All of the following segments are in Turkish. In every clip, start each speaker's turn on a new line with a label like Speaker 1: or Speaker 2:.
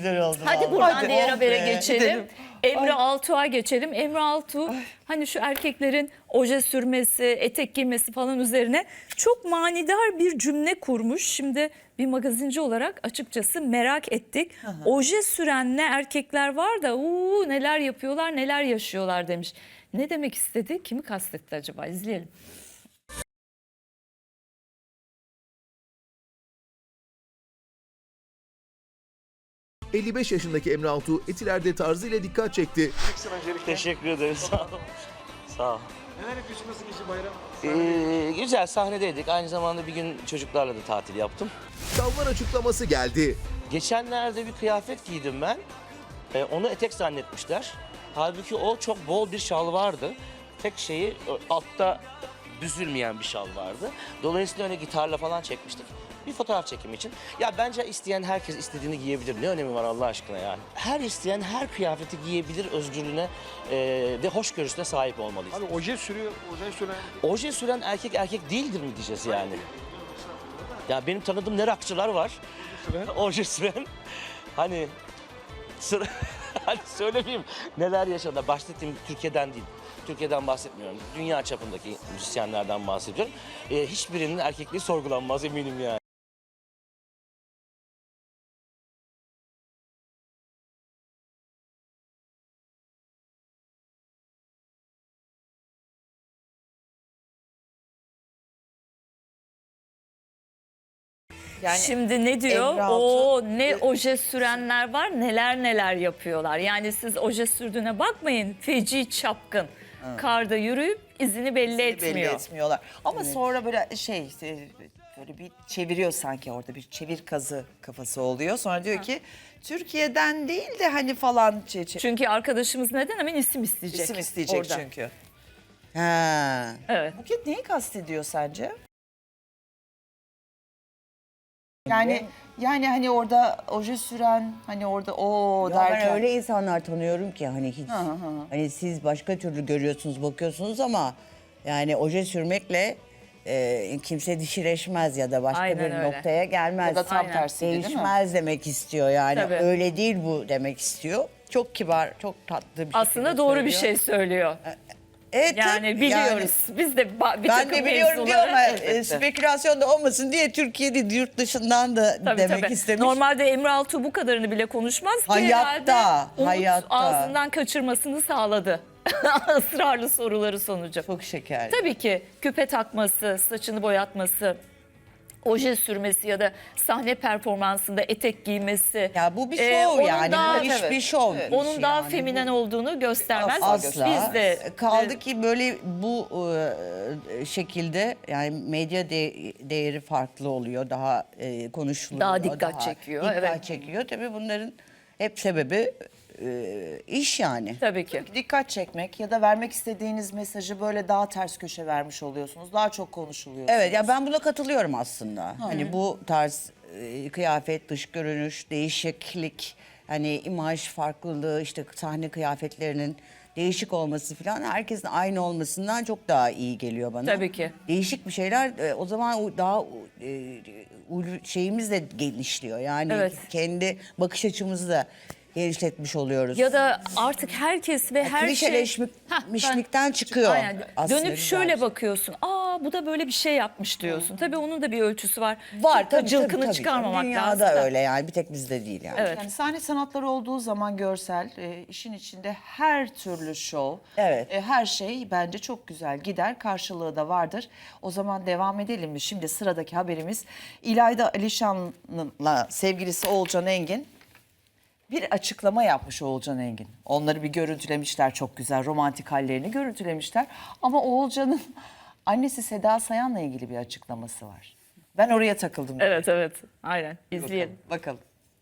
Speaker 1: güzel oldu.
Speaker 2: Hadi
Speaker 1: vallahi.
Speaker 2: buradan
Speaker 1: Hadi.
Speaker 2: diğer
Speaker 1: Oh
Speaker 2: habere
Speaker 1: be,
Speaker 2: geçelim.
Speaker 1: gidelim.
Speaker 2: Emre Altuğ'a geçelim. Emre Altuğ hani şu erkeklerin oje sürmesi, etek giymesi falan üzerine çok manidar bir cümle kurmuş. Şimdi bir magazinci olarak açıkçası merak ettik. Oje süren ne erkekler var da neler yapıyorlar, neler yaşıyorlar demiş. Ne demek istedi? Kimi kastetti acaba? İzleyelim.
Speaker 3: ...55 yaşındaki Emre Altuğ Etiler'de tarzıyla dikkat çekti.
Speaker 4: Teşekkür ederim. Sağ ol. Sağ ol.
Speaker 5: Neler yapıyorsun, nasıl geçti bayram?
Speaker 4: Güzel sahnedeydik. Aynı zamanda bir gün çocuklarla da tatil yaptım.
Speaker 3: Şalvar açıklaması geldi.
Speaker 4: Geçenlerde bir kıyafet giydim ben. Onu etek zannetmişler. Halbuki o çok bol bir şal vardı. Tek şeyi altta büzülmeyen bir şal vardı. Dolayısıyla öyle gitarla falan çekmiştik. Bir fotoğraf çekimi için. Ya bence isteyen herkes istediğini giyebilir. Ne önemi var Allah aşkına yani. Her isteyen her kıyafeti giyebilir özgürlüğüne ve hoşgörüsüne sahip olmalıyız.
Speaker 5: Abi oje sürüyor, oje süren.
Speaker 4: Oje süren erkek erkek değildir mi diyeceğiz yani? Ya benim tanıdığım ne rockçılar var. Oje süren. Hani hani söylemeyeyim neler yaşadılar. Bahsettiğim Türkiye'den değil. Türkiye'den bahsetmiyorum. Dünya çapındaki müzisyenlerden bahsediyorum. Hiçbirinin erkekliği sorgulanmaz eminim yani.
Speaker 1: Yani
Speaker 2: Şimdi ne diyor?
Speaker 1: Emre Altuğ-
Speaker 2: Ne oje sürenler var, neler neler yapıyorlar. Yani siz oje sürdüğüne bakmayın. Feci çapkın. Karda yürüyüp izini belli etmiyor.
Speaker 1: belli etmiyorlar. Ama sonra böyle böyle bir çeviriyor sanki, orada bir çevir kazı kafası oluyor. Sonra diyor ki Türkiye'den değil de hani falan
Speaker 2: Çünkü arkadaşımız neden hemen isim isteyecek.
Speaker 1: isim isteyecek
Speaker 2: orada.
Speaker 1: çünkü. Ha.
Speaker 2: Evet.
Speaker 1: Buket neyi kastediyor sence? Yani hani orada oje süren, hani orada
Speaker 6: Ya
Speaker 1: derken.
Speaker 6: ben öyle insanlar tanıyorum ki hani hiç hani siz başka türlü görüyorsunuz, bakıyorsunuz ama yani oje sürmekle kimse dişileşmez ya da başka
Speaker 2: Aynen
Speaker 6: bir
Speaker 2: öyle.
Speaker 6: noktaya gelmez.
Speaker 1: Ya da tam
Speaker 2: Aynen.
Speaker 1: tersi değil mi?
Speaker 6: Değişmez demek istiyor yani.
Speaker 2: Tabii.
Speaker 6: Öyle değil bu demek istiyor. Çok kibar, çok tatlı bir
Speaker 2: Aslında
Speaker 6: şekilde
Speaker 2: doğru bir
Speaker 6: söylüyor.
Speaker 2: şey söylüyor.
Speaker 6: Evet,
Speaker 2: Yani
Speaker 6: tabii,
Speaker 2: biliyoruz. Biz de bir
Speaker 6: ben
Speaker 2: takım
Speaker 6: de biliyorum diyor
Speaker 2: mevzuları-
Speaker 6: ama
Speaker 1: elbette.
Speaker 6: spekülasyon da olmasın diye Türkiye'de yurt dışından da
Speaker 2: Tabii,
Speaker 6: demek
Speaker 2: tabii.
Speaker 6: istemiş.
Speaker 2: Normalde Emre Altuğ bu kadarını bile konuşmaz ki
Speaker 6: Hayatta,
Speaker 2: herhalde Umut
Speaker 6: hayatta.
Speaker 2: ağzından kaçırmasını sağladı. Israrlı soruları sonucu.
Speaker 6: Çok şeker.
Speaker 2: Tabii ki küpe takması, saçını boyatması, oje sürmesi ya da sahne performansında etek giymesi.
Speaker 6: Ya bu bir
Speaker 2: Ee,
Speaker 6: şov
Speaker 2: onun
Speaker 6: yani.
Speaker 2: daha-
Speaker 6: Bu iş
Speaker 1: evet,
Speaker 6: bir şov.
Speaker 1: evet.
Speaker 2: Onun
Speaker 6: işi
Speaker 2: daha
Speaker 6: yani.
Speaker 2: feminen olduğunu göstermez.
Speaker 6: Asla.
Speaker 2: Biz de
Speaker 6: Kaldı ki böyle bu şekilde yani medya değeri farklı oluyor. Daha konuşuluyor.
Speaker 2: Daha dikkat çekiyor,
Speaker 6: Dikkat
Speaker 2: evet.
Speaker 6: çekiyor. Tabii bunların hep sebebi iş yani.
Speaker 2: tabii ki.
Speaker 1: Dikkat çekmek ya da vermek istediğiniz mesajı böyle daha ters köşe vermiş oluyorsunuz. Daha çok konuşuluyorsunuz.
Speaker 6: Evet ya ben buna katılıyorum aslında. Hani bu tarz kıyafet, dış görünüş, değişiklik, hani imaj farklılığı, işte sahne kıyafetlerinin değişik olması falan herkesin aynı olmasından çok daha iyi geliyor bana.
Speaker 2: Tabii ki.
Speaker 6: Değişik bir şeyler o zaman daha şeyimiz de genişliyor. Yani
Speaker 2: Evet.
Speaker 6: kendi bakış açımızı da genişletmiş oluyoruz.
Speaker 2: Ya da artık herkes ve her şey...
Speaker 6: Klişeleşmişlikten çıkıyor.
Speaker 2: Aynen.
Speaker 6: aslında
Speaker 2: Dönüp
Speaker 6: güzel
Speaker 2: şöyle
Speaker 6: bir şey.
Speaker 2: bakıyorsun. Bu da böyle bir şey yapmış diyorsun. Tabii onun da bir ölçüsü var.
Speaker 6: Var
Speaker 2: Çok da
Speaker 6: tabii,
Speaker 2: cılkını
Speaker 6: tabii.
Speaker 2: çıkarmamak
Speaker 6: Dünyada
Speaker 2: lazım. da.
Speaker 6: öyle yani, bir tek bizde değil yani.
Speaker 2: Evet.
Speaker 1: Yani sahne sanatları olduğu zaman görsel, işin içinde her türlü şov,
Speaker 6: Evet.
Speaker 1: her şey bence çok güzel gider. Karşılığı da vardır. O zaman devam edelim mi? Şimdi sıradaki haberimiz İlayda Alişan'la sevgilisi Oğulcan Engin bir açıklama yapmış Oğulcan Engin. Onları bir görüntülemişler, çok güzel romantik hallerini görüntülemişler. Ama Oğulcan'ın annesi Seda Sayan'la ilgili bir açıklaması var. Ben oraya takıldım.
Speaker 2: Evet evet. Aynen. İzleyelim.
Speaker 1: Bakalım.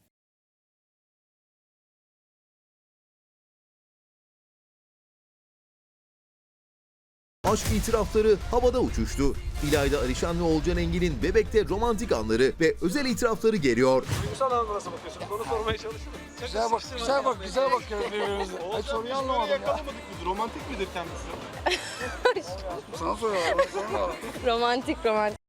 Speaker 3: Aşk itirafları havada uçuştu. İlayda Alişan ve Oğulcan Engin'in Bebek'te romantik anları ve özel itirafları geliyor.
Speaker 5: Duygusal anlamda nasıl bakıyorsunuz? Onu sormaya çalışırım.
Speaker 7: Güzel bak, güzel bakıyoruz birbirimize. Ay soruyu anlamadım ya.
Speaker 5: Yakalamadık mı? Romantik midir kendisi?
Speaker 7: Sana soruyorlar, sorma.
Speaker 8: Romantik.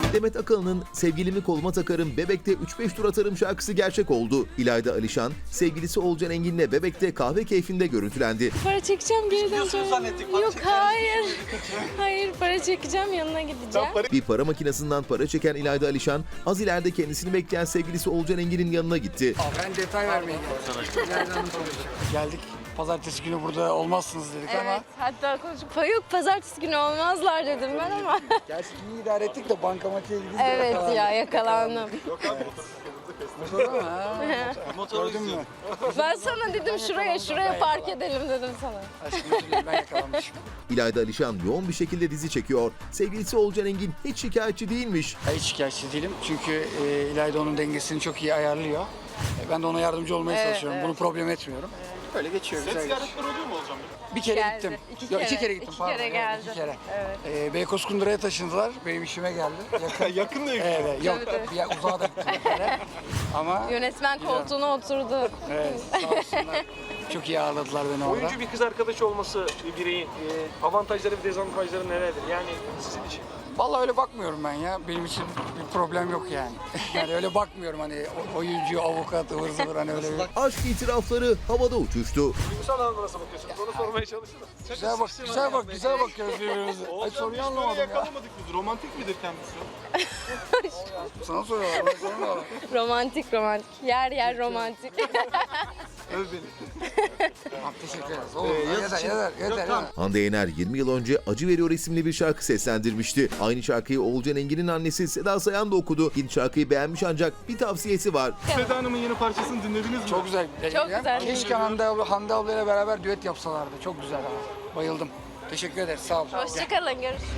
Speaker 3: Demet Akalın'ın Sevgilimi Koluma Takarım Bebek'te 3-5 tur atarım şarkısı gerçek oldu. İlayda Alişan, sevgilisi Oğulcan Engin'le Bebek'te kahve keyfinde görüntülendi.
Speaker 8: Para çekeceğim geri
Speaker 5: Gidiyorsunuz
Speaker 8: döneceğim.
Speaker 5: zannettik, para
Speaker 8: Yok
Speaker 5: çeker
Speaker 8: hayır. Hayır para çekeceğim yanına gideceğim.
Speaker 3: Bir para makinesinden para çeken İlayda Alişan, az ileride kendisini bekleyen sevgilisi Oğulcan Engin'in yanına gitti.
Speaker 7: Ben detay vermeye geldim. Geldik. Pazartesi günü burada olmazsınız dedik
Speaker 8: Evet
Speaker 7: ama.
Speaker 8: hatta konuşup yok pazartesi günü olmazlar dedim ben ama.
Speaker 7: Gerçi iyi idare ettik de bankamatiğe gidince
Speaker 8: Evet
Speaker 7: yakalandık.
Speaker 8: ya yakalandım.
Speaker 7: Motorda mı? Ha? Gördün mü?
Speaker 8: Ben sana dedim şuraya park edelim dedim sana.
Speaker 7: Aşkım özür dilerim, ben yakalanmışım.
Speaker 3: İlayda Alişan yoğun bir şekilde dizi çekiyor. Sevgilisi Oğulcan Engin hiç şikayetçi değilmiş.
Speaker 7: Hiç şikayetçi değilim çünkü İlayda onun dengesini çok iyi ayarlıyor. Ben de ona yardımcı olmaya çalışıyorum. Bunu problem etmiyorum. Öyle geçiyor.
Speaker 5: Set
Speaker 7: Güzel geçiyor.
Speaker 5: ziyaretleri oluyor mu Oğulcan Bey?
Speaker 7: Bir kere
Speaker 8: Geldi.
Speaker 7: gittim.
Speaker 8: İki
Speaker 7: Yok,
Speaker 8: kere.
Speaker 7: iki kere gittim.
Speaker 8: İki
Speaker 7: pardon.
Speaker 8: kere
Speaker 7: Evet,
Speaker 8: geldi.
Speaker 7: iki kere.
Speaker 8: Evet.
Speaker 7: Beykoz Kundura'ya taşındılar. Benim işime geldi.
Speaker 5: Yakın da
Speaker 7: Evet, yok.
Speaker 8: Tabii.
Speaker 7: Bir yer uzağa da gittim bir kere. Ama
Speaker 8: Yönetmen koltuğuna oturdu.
Speaker 7: evet, sağ olsunlar. Çok iyi ağırladılar beni orada.
Speaker 9: Oyuncu bir kız arkadaşı olması bir bireyin avantajları ve dezavantajları nelerdir? Yani sizin için.
Speaker 7: Vallahi öyle bakmıyorum ben ya. Benim için bir problem yok yani. Yani öyle bakmıyorum hani oyuncu, avukat, ıvır zıvır hani öyle bir...
Speaker 3: Aşk itirafları havada uçuştu.
Speaker 9: Duygusal anlamda nasıl bakıyorsunuz? Onu sormaya çalışırım.
Speaker 7: Güzel bakıyoruz birbirimize. Ay
Speaker 5: Oğulcan
Speaker 7: soruyu
Speaker 5: Bey
Speaker 7: anlamadım ya.
Speaker 5: yakalamadık biz. Romantik midir kendisi?
Speaker 7: Sana soruyorlar, bana sormuyorlar.
Speaker 8: Romantik. Yer romantik.
Speaker 5: Öv beni.
Speaker 7: Tamam, teşekkür ederiz. Olur, yeter.
Speaker 3: Hande Yener 20 yıl önce Acı Veriyor isimli bir şarkı seslendirmişti. Aynı şarkıyı Oğulcan Engin'in annesi Seda Sayan da okudu. Şarkıyı beğenmiş ancak bir tavsiyesi var.
Speaker 5: Seda Hanım'ın yeni parçasını dinlediniz mi?
Speaker 7: Çok güzel.
Speaker 8: Çok güzel.
Speaker 7: Keşke Hande ablayla beraber düet yapsalardı. Çok güzel ama. Bayıldım. Teşekkür ederiz. Sağ olun.
Speaker 8: Hoşçakalın görüşürüz.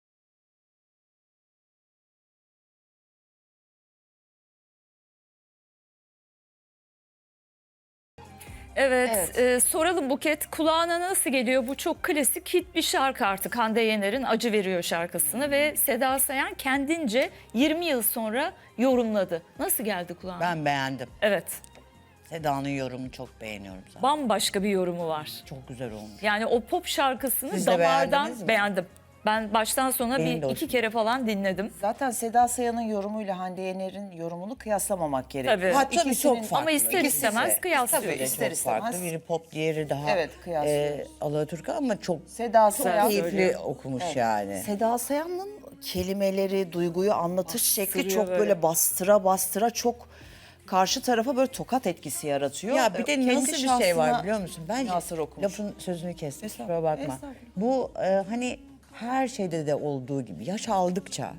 Speaker 2: Evet, soralım Buket, kulağına nasıl geliyor? Bu çok klasik hit bir şarkı artık, Hande Yener'in Acı Veriyor şarkısını ve Seda Sayan kendince 20 yıl sonra yorumladı. Nasıl geldi kulağına?
Speaker 6: Ben beğendim.
Speaker 2: Evet,
Speaker 6: Seda'nın yorumunu çok beğeniyorum zaten.
Speaker 2: bambaşka bir yorumu var.
Speaker 6: Çok güzel olmuş.
Speaker 2: Yani o pop şarkısını
Speaker 6: Siz de
Speaker 2: damardan
Speaker 6: beğendiniz mi?
Speaker 2: beğendim. Ben baştan sona
Speaker 6: Benim de
Speaker 2: bir iki
Speaker 6: hoşuma
Speaker 2: kere falan dinledim.
Speaker 1: Zaten Seda Sayan'ın yorumuyla Hande Yener'in yorumunu kıyaslamamak gerekiyor.
Speaker 2: Tabii.
Speaker 6: Ha, tabii
Speaker 1: İkisinin-
Speaker 6: çok farklı.
Speaker 2: Ama ister
Speaker 6: İkisi
Speaker 2: istemez
Speaker 6: de-
Speaker 2: kıyaslıyoruz.
Speaker 6: Tabii
Speaker 1: İster
Speaker 6: çok
Speaker 1: istemez.
Speaker 6: farklı. Biri pop, diğeri daha
Speaker 1: Evet, kıyaslıyoruz.
Speaker 6: Alaturka ama çok
Speaker 1: Seda Sayan
Speaker 6: keyifli okumuş yani.
Speaker 1: Seda Sayan'ın kelimeleri, duyguyu anlatış şekli
Speaker 2: Bastırıyor
Speaker 1: çok
Speaker 2: böyle.
Speaker 1: böyle bastıra çok karşı tarafa böyle tokat etkisi yaratıyor.
Speaker 6: Ya bir de
Speaker 1: Kendi
Speaker 6: nasıl bir şey var
Speaker 1: şahsına
Speaker 6: biliyor musun? Bence
Speaker 1: münhasır okumuş.
Speaker 6: lafın sözünü kestim.
Speaker 1: Estağfurullah,
Speaker 6: Kusura bakma.
Speaker 1: estağfurullah.
Speaker 6: Bu hani her şeyde de olduğu gibi yaş aldıkça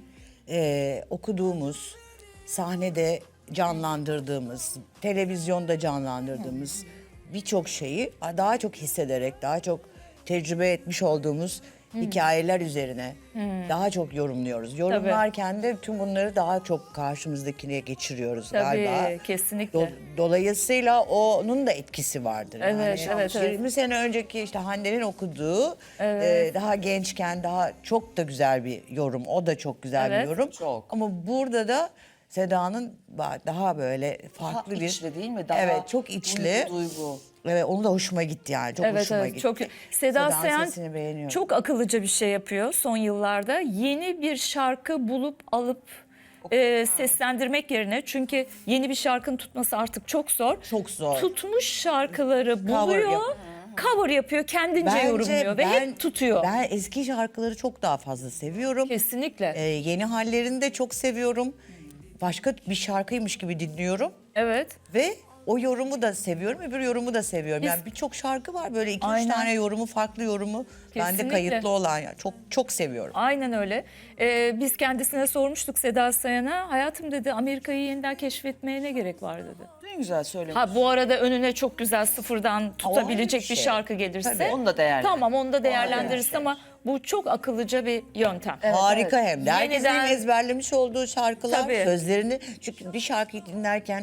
Speaker 6: okuduğumuz, sahnede canlandırdığımız, televizyonda canlandırdığımız birçok şeyi daha çok hissederek, daha çok tecrübe etmiş olduğumuz hikayeler üzerine daha çok yorumluyoruz. Yorumlarken de tüm bunları daha çok karşımızdakine geçiriyoruz
Speaker 2: Tabii,
Speaker 6: galiba.
Speaker 2: kesinlikle.
Speaker 6: Dolayısıyla onun da etkisi vardır.
Speaker 2: Evet, evet, evet.
Speaker 6: 20 sene önceki işte Hande'nin okuduğu daha gençken daha çok da güzel bir yorum. O da çok güzel
Speaker 2: Evet.
Speaker 6: bir yorum.
Speaker 1: Çok.
Speaker 6: Ama burada da Seda'nın daha böyle farklı bir...
Speaker 1: içli değil mi? Daha
Speaker 6: evet, çok içli.
Speaker 1: duygu.
Speaker 6: Evet, onu da hoşuma gitti yani. Çok
Speaker 2: Evet,
Speaker 6: hoşuma
Speaker 2: evet,
Speaker 6: gitti.
Speaker 2: çok. Seda
Speaker 6: Seda'nın
Speaker 2: Sayan
Speaker 6: sesini beğeniyorum.
Speaker 2: çok akıllıca bir şey yapıyor son yıllarda. Yeni bir şarkı bulup alıp seslendirmek yerine, çünkü yeni bir şarkının tutması artık çok zor.
Speaker 6: Çok zor.
Speaker 2: Tutmuş şarkıları buluyor,
Speaker 6: yap-
Speaker 2: cover yapıyor, kendince yorumluyor ve hep tutuyor.
Speaker 6: Ben eski şarkıları çok daha fazla seviyorum.
Speaker 2: Kesinlikle.
Speaker 6: Yeni hallerini de çok seviyorum. Başka bir şarkıymış gibi dinliyorum.
Speaker 2: Evet.
Speaker 6: Ve o yorumu da seviyorum, öbür yorumu da seviyorum.
Speaker 2: Biz-
Speaker 6: Yani birçok şarkı var böyle 2-3
Speaker 2: Aynen.
Speaker 6: tane yorumu, farklı yorumu. Bende
Speaker 2: Kesinlikle.
Speaker 6: kayıtlı olan yani çok seviyorum.
Speaker 2: Aynen öyle. Biz kendisine sormuştuk, Seda Sayan'a. Hayatım dedi, Amerika'yı yeniden keşfetmeye ne gerek var dedi.
Speaker 1: Ne güzel söylemiş.
Speaker 2: Ha, bu arada önüne çok güzel sıfırdan tutabilecek
Speaker 6: bir
Speaker 2: bir
Speaker 6: şey.
Speaker 2: şarkı gelirse.
Speaker 1: Tabii, onu da değerlendir.
Speaker 2: Tamam, onu da değerlendiririz
Speaker 6: şey.
Speaker 2: ama bu çok akıllıca bir yöntem.
Speaker 6: Harika
Speaker 1: evet.
Speaker 6: hem de. Herkesin
Speaker 2: Yeniden-
Speaker 6: ezberlemiş olduğu şarkılar,
Speaker 2: Tabii.
Speaker 6: sözlerini. Çünkü bir şarkıyı dinlerken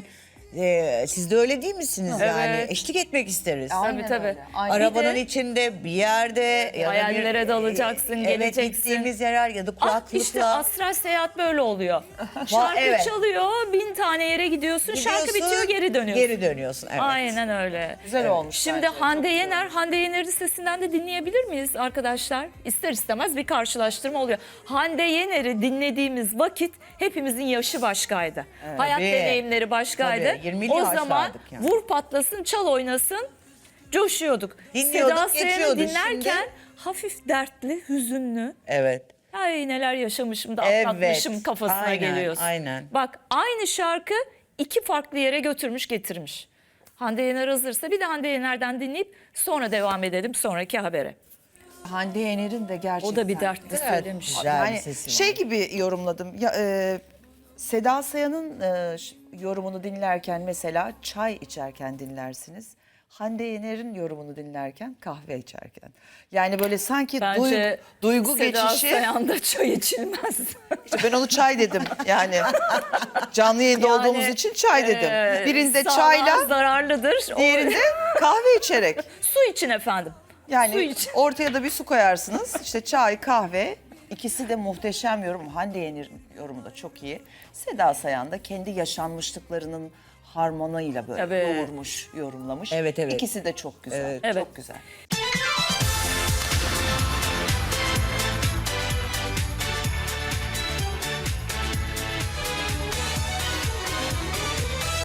Speaker 6: Siz de öyle değil misiniz
Speaker 2: Evet.
Speaker 6: yani? Eşlik etmek isteriz.
Speaker 2: Tabii tabii.
Speaker 6: Arabanın
Speaker 2: Bir de
Speaker 6: içinde, bir yerde ya da
Speaker 2: hayallere dalacaksın,
Speaker 6: evet,
Speaker 2: geleceksin.
Speaker 6: gittiğimiz yerler ya da kulaklıkla.
Speaker 2: işte astral seyahat böyle oluyor. Şarkı
Speaker 6: evet.
Speaker 2: çalıyor, 1000 tane yere gidiyorsun, şarkı bitiyor, geri dönüyorsun.
Speaker 6: Geri dönüyorsun, evet.
Speaker 2: Aynen öyle.
Speaker 1: Güzel olmuş.
Speaker 2: Şimdi
Speaker 1: bence.
Speaker 2: Hande Yener, Hande Yener'in sesinden de dinleyebilir miyiz arkadaşlar? İster istemez bir karşılaştırma oluyor. Hande Yener'i dinlediğimiz vakit hepimizin yaşı başkaydı. Hayat
Speaker 6: Tabii.
Speaker 2: deneyimleri başkaydı.
Speaker 6: Tabii, 20'li
Speaker 2: o zaman
Speaker 6: yaşlardık yani.
Speaker 2: vur patlasın, çal oynasın, coşuyorduk.
Speaker 6: Dinliyorduk,
Speaker 2: Seda Sayan'ı
Speaker 6: geçiyordu.
Speaker 2: dinlerken
Speaker 6: Şimdi-
Speaker 2: hafif dertli, hüzünlü.
Speaker 6: Evet.
Speaker 2: Ay neler yaşamışım da
Speaker 6: Evet,
Speaker 2: atlatmışım kafasına
Speaker 6: aynen,
Speaker 2: geliyorsun.
Speaker 6: aynen.
Speaker 2: Bak aynı şarkı 2 farklı yere götürmüş getirmiş. Hande Yener hazırsa bir de Hande Yener'den dinleyip sonra devam edelim sonraki habere.
Speaker 1: Hande Yener'in de gerçekten.
Speaker 2: O da bir dertli söylemiş.
Speaker 6: Güzel bir
Speaker 1: Yani
Speaker 6: sesi var.
Speaker 1: şey gibi yorumladım. Ya, Seda Sayan'ın yorumunu dinlerken mesela çay içerken dinlersiniz. Hande Yener'in yorumunu dinlerken kahve içerken. Yani böyle sanki
Speaker 2: Bence
Speaker 1: duygu
Speaker 2: Seda
Speaker 1: geçişi.
Speaker 2: Sayan'da çay içilmez.
Speaker 1: İşte ben onu çay dedim yani. Canlı yayında olduğumuz için çay dedim. Birinde
Speaker 2: sağlığa
Speaker 1: çayla,
Speaker 2: zararlıdır.
Speaker 1: diğerinde kahve içerek.
Speaker 2: Su için efendim. Su
Speaker 1: Yani
Speaker 2: için.
Speaker 1: ortaya da bir su koyarsınız. İşte çay, kahve. İkisi de muhteşem yorum. Hande Yener'in yorumu da çok iyi. Seda Sayan da kendi yaşanmışlıklarının harmanıyla böyle
Speaker 2: Tabii.
Speaker 1: yoğurmuş, yorumlamış.
Speaker 6: Evet, evet.
Speaker 1: İkisi de çok güzel.
Speaker 2: Evet.
Speaker 1: Çok güzel.